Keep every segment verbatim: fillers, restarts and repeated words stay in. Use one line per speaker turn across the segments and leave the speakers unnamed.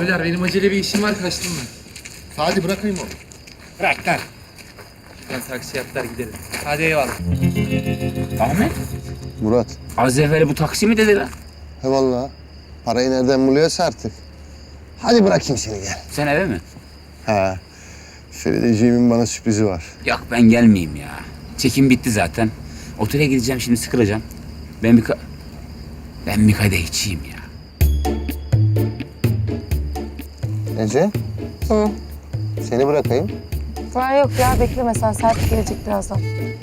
Abiler benim acele bir işim var, kaçtım ben.
Hadi bırakayım onu.
Bırak lan. Şuradan taksi yaptılar gidelim. Hadi eyvallah.
Ahmet,
Murat.
az evvel bu taksi mi dedi lan?
He vallahi. Parayı nereden buluyorsa artık. Hadi bırakayım seni gel.
Sen eve mi?
Ha. Ferideciğimin bana sürprizi var.
Yok ben gelmeyeyim ya. Çekim bitti zaten. Otele gideceğim şimdi sıkılacağım. Ben bir ka... Ben bir kadeh içeyim ya.
Ece.
Hı.
Seni bırakayım.
Ha yok ya bekleme sen. Serpil gelecek birazdan.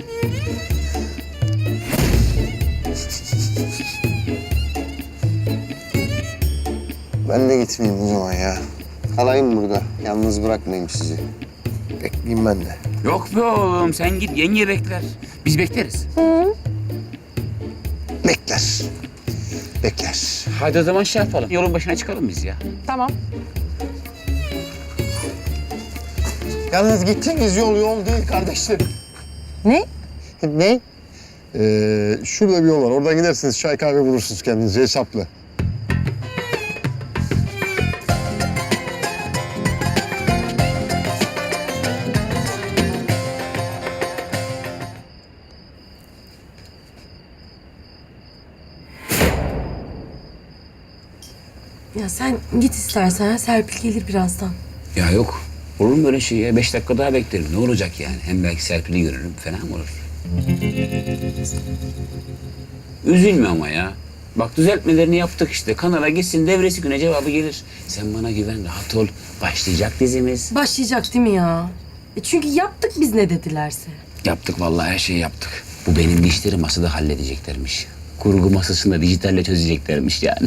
Ben de gitmeyeyim o zaman ya. Kalayım burada. Yalnız bırakmayayım sizi. Bekleyeyim ben de.
Yok be oğlum sen git yenge bekler. Biz bekleriz.
Bekler. Bekler.
Hadi o zaman şey yapalım. Yolun başına çıkalım biz ya.
Tamam.
Yalnız gideceğiniz yol yol değil kardeşlerim.
Ne?
Ne? Ee, şurada bir yol var. Oradan gidersiniz. Çay kahve bulursunuz kendinize hesapla.
Ya sen git istersen. Serpil gelir birazdan.
Ya yok. Olur mu böyle şey ya? Beş dakika daha beklerim. Ne olacak yani? Hem belki Serpil'i görürüm. Fena mı olur? Üzülme ama ya. Bak düzeltmelerini yaptık işte. Kanala gitsin devresi güne cevabı gelir. Sen bana güven, rahat ol. Başlayacak dizimiz.
Başlayacak değil mi ya? E çünkü yaptık biz ne dedilerse.
Yaptık vallahi her şeyi yaptık. Bu benim işleri masada halledeceklermiş. Kurgu masasında dijitalle çözeceklermiş yani.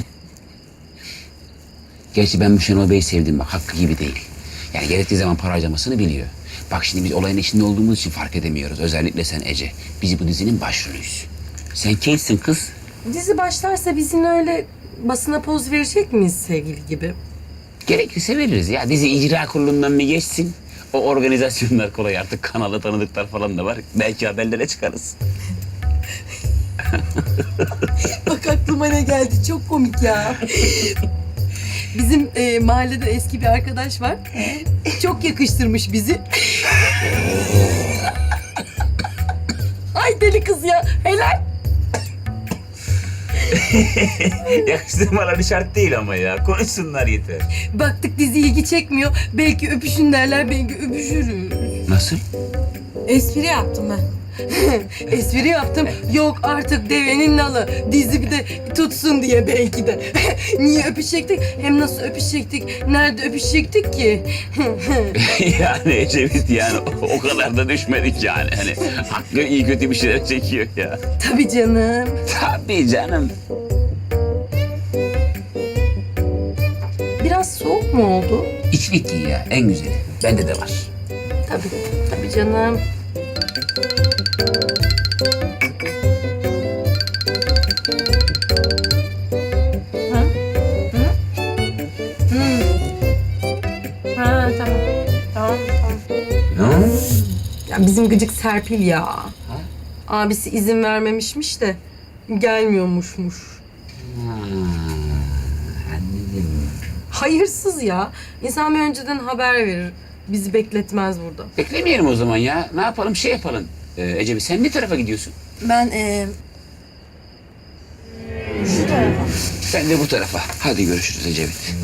Gerçi ben bu Şenol Bey'i sevdim bak. Hakkı gibi değil. Yani gerektiği zaman para harcamasını biliyor. Bak şimdi biz olayın içinde olduğumuz için fark edemiyoruz. Özellikle sen Ece. Biz bu dizinin başrolüyüz. Sen Kate'sin kız.
Dizi başlarsa bizim öyle basına poz verecek miyiz sevgili gibi?
Gerekirse veririz ya. Dizi icra kurulundan bir geçsin. O organizasyonlar kolay artık. Kanalda tanıdıklar falan da var. Belki haberlere çıkarız.
Bak aklıma ne geldi çok komik ya. Bizim e, mahallede eski bir arkadaş var. Çok yakıştırmış bizi. Ay deli kız ya helal.
Yakıştırmaları şart değil ama ya. Konuşsunlar yeter.
Baktık dizi ilgi çekmiyor. Belki öpüşün derler, belki öpüşürüz.
Nasıl?
Espri yaptım ben. Espri yaptım. Yok artık devenin nalı. Dizi bir de tutsun diye belki de. Niye öpüşecektik? Hem nasıl öpüşecektik? Nerede öpüşecektik ki?
Yani Ecevit yani o, o kadar da düşmedik yani. Hani Hakkı iyi kötü bir şeyler çekiyor ya.
Tabii canım.
Tabii canım.
Biraz soğuk mu oldu?
İçlik giy ya en güzeli. Bende de var.
Tabii. Tabii canım. Ha? Hı? Hı. Ha tamam. Tamam tamam.
Ne?
Ya bizim gıcık Serpil ya. Abisi izin vermemişmiş de gelmiyormuşmuş.
Anladım.
Hayırsız ya. İnsan bir önceden haber verir. Bizi bekletmez burada.
Beklemeyelim o zaman ya. Ne yapalım şey yapalım. Ee, Ecevit sen ne tarafa gidiyorsun?
Ben e, şu tarafa.
Ben de bu tarafa. Hadi görüşürüz Ecevit.